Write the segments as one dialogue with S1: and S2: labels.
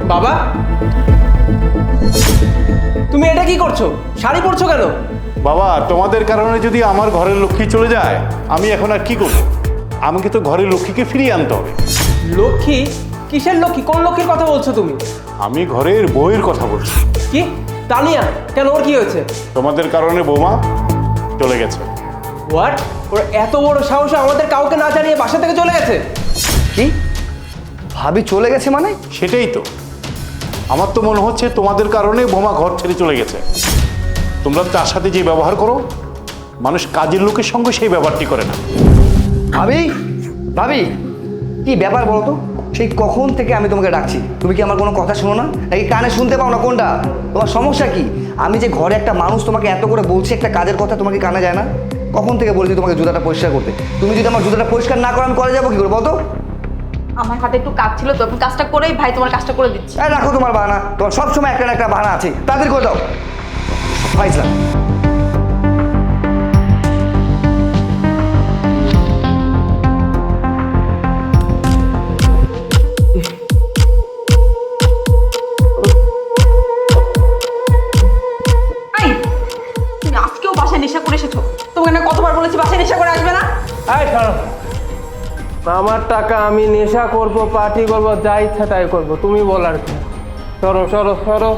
S1: বাবা, তুমি এটা কি করছো? শাড়ি পরছো কেন?
S2: বাবা, তোমাদের কারণে যদি আমার ঘরের লক্ষ্মী চলে যায়, আমি এখন আর কি করব? আমাকে তো ঘরের লক্ষ্মীকে ফিরিয়ে আনতে হবে।
S1: লক্ষ্মী? কিসের লক্ষ্মী? কোন লক্ষ্মীর কথা বলছো তুমি?
S2: আমি ঘরের বউয়ের কথা বলছি।
S1: কি? তানিয়া? কেন, ওর কি হয়েছে?
S2: তোমাদের কারণে বৌমা চলে গেছে।
S1: হোয়াট? ওর এত বড় সাহস আমাদের কাউকে না জানিয়ে বাসা থেকে চলে গেছে?
S3: কি ভাবি চলে গেছে মানে?
S2: সেটাই তো, আমার তো মনে হচ্ছে তোমাদের কারণে বৌমা ঘর ছেড়ে চলে গেছে। তোমরা তার সাথে যে ব্যবহার করো, মানুষ কাজের লোকের সঙ্গে সেই ব্যবহারটি করে না।
S3: ভাবি, ভাবি কি ব্যাপার বলো তো? সেই কখন থেকে আমি তোমাকে ডাকছি, তুমি কি আমার কোনো কথা শোনো না, নাকি কানে শুনতে পাও না? কোনটা তোমার সমস্যা? কি আমি যে ঘরে একটা মানুষ তোমাকে এত করে বলছি একটা কাজের কথা, তোমাকে কানে যায় না? কখন থেকে বলছি তোমাকে জুতাটা পরিষ্কার করতে? তুমি যদি আমার জুতাটা পরিষ্কার না করো আমি করে যাবো কি করে বলতো?
S4: আমার হাতে একটু কাজ ছিল তো, কাজটা করেই ভাই তোমার কাজটা করে দিচ্ছি।
S3: রাখো তোমার বাহানা, তোমার সবসময় একটা না একটা বাহানা আছে, তাড়াতাড়ি করে দাও। ফাইজলাম।
S4: এই, তুমি আজকেও বাসায় নেশা করে এসেছো? তোমাকে না কতবার বলেছি বাসায় নেশা করে আসবে না?
S1: এই ছাড়ো, আমার টাকা, আমি নেশা করব, পার্টি করব, যা ইচ্ছা তাই করব, তুমি বলার কি? সরো সরো সরো।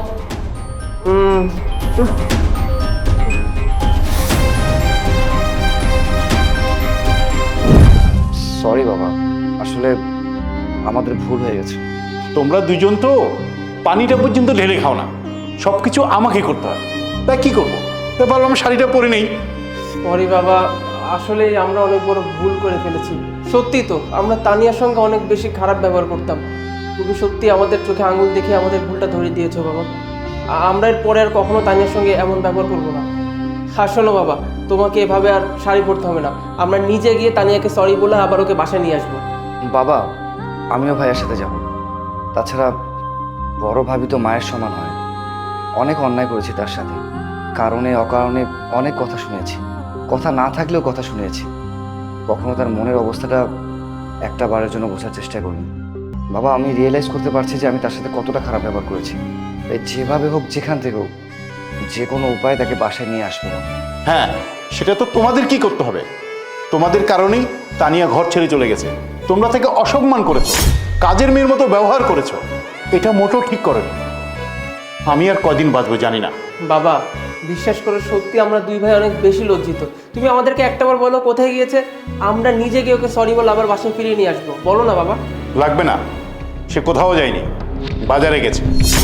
S3: সরি বাবা, আসলে আমাদের ভুল হয়ে গেছে।
S2: তোমরা দুজন তো পানিটা পর্যন্ত ঢেলে খাও না, সব কিছু আমাকে করতে হয়। তাই কি করবো? তাই ভাবলাম শাড়িটা পরে নেই।
S1: সরি বাবা, আসলে আমরা অনেক বড় ভুল করে ফেলেছি। সত্যি তো, আমরা তানিয়ার সঙ্গে অনেক বেশি খারাপ ব্যবহার করতাম। তুমি সত্যি আমাদের চোখে আঙুল দেখে আমাদের ভুলটা ধরিয়ে দিয়েছো বাবা। আমরা এর পরে আর কখনো তানিয়ার সঙ্গে এমন ব্যবহার করবো না। আর শোনো বাবা, তোমাকে এভাবে আর শাড়ি পরতে হবে না। আমরা নিজে গিয়ে তানিয়াকে সরি বলে আবার ওকে বাসায় নিয়ে আসবো।
S3: বাবা, আমিও ভাইয়ের সাথে যাব। তাছাড়া বড় ভাবি তো মায়ের সমান হয়। অনেক অন্যায় করেছি তার সাথে, কারণে অকারণে অনেক কথা শুনেছি, কথা না থাকলেও কথা শুনেছি। কখনো তার মনের অবস্থাটা একটা বারের জন্য বোঝার চেষ্টা করিনি। বাবা, আমি রিয়েলাইজ করতে পারছি যে আমি তার সাথে কতটা খারাপ ব্যবহার করেছি। তাই যেভাবে হোক, যেখান থেকে হোক, যে কোনো উপায়ে তাকে বাসায় নিয়ে আসবো।
S2: হ্যাঁ, সেটা তো তোমাদের কি করতে হবে। তোমাদের কারণেই তানিয়া ঘর ছেড়ে চলে গেছে। তোমরা তাকে অসম্মান করেছো, কাজের মেয়ের মতো ব্যবহার করেছো। এটা মোটেও ঠিক করেনি। আমি আর কদিন বাঁচবো জানি না।
S1: বাবা, বিশ্বাস করে সত্যি আমরা দুই ভাই অনেক বেশি লজ্জিত। তুমি আমাদেরকে একটাবার বলো কোথায় গিয়েছে, আমরা নিজে গিয়ে ওকে সরি বলে আবার বাসায় ফিরিয়ে নিয়ে আসবো। বলো না বাবা।
S2: লাগবে না, সে কোথাও যায়নি, বাজারে গেছে,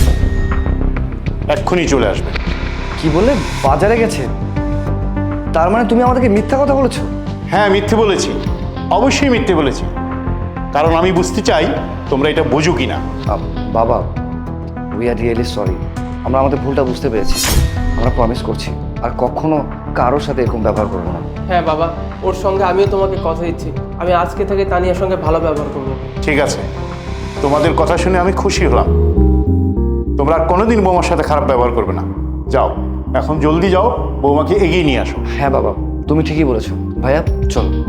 S2: এক্ষুনি চলে আসবে।
S3: কি বললে? বাজারে গেছে? তার মানে তুমি আমাদেরকে মিথ্যা কথা বলেছো?
S2: হ্যাঁ, মিথ্যে বলেছি, অবশ্যই মিথ্যে বলেছি। কারণ আমি বুঝতে চাই তোমরা এটা বোঝো কি না।
S3: বাবা, উই আর রিয়েলি সরি। আমরা আমাদের ভুলটা বুঝতে পেরেছি। আমরা প্রমিস করছি আর কখনো কারোর সাথে এরকম ব্যবহার করবো না।
S1: হ্যাঁ বাবা, ওর সঙ্গে আমিও তোমাকে কথা দিচ্ছি, আমি আজকে থেকে তানিয়ার সঙ্গে ভালো ব্যবহার করবো।
S2: ঠিক আছে, তোমাদের কথা শুনে আমি খুশি হলাম। তোমরা আর কোনোদিন বৌমার সাথে খারাপ ব্যবহার করবে না। যাও, এখন জলদি যাও, বৌমাকে এগিয়ে নিয়ে আসো।
S3: হ্যাঁ বাবা, তুমি ঠিকই বলেছো। ভাইয়া চলো।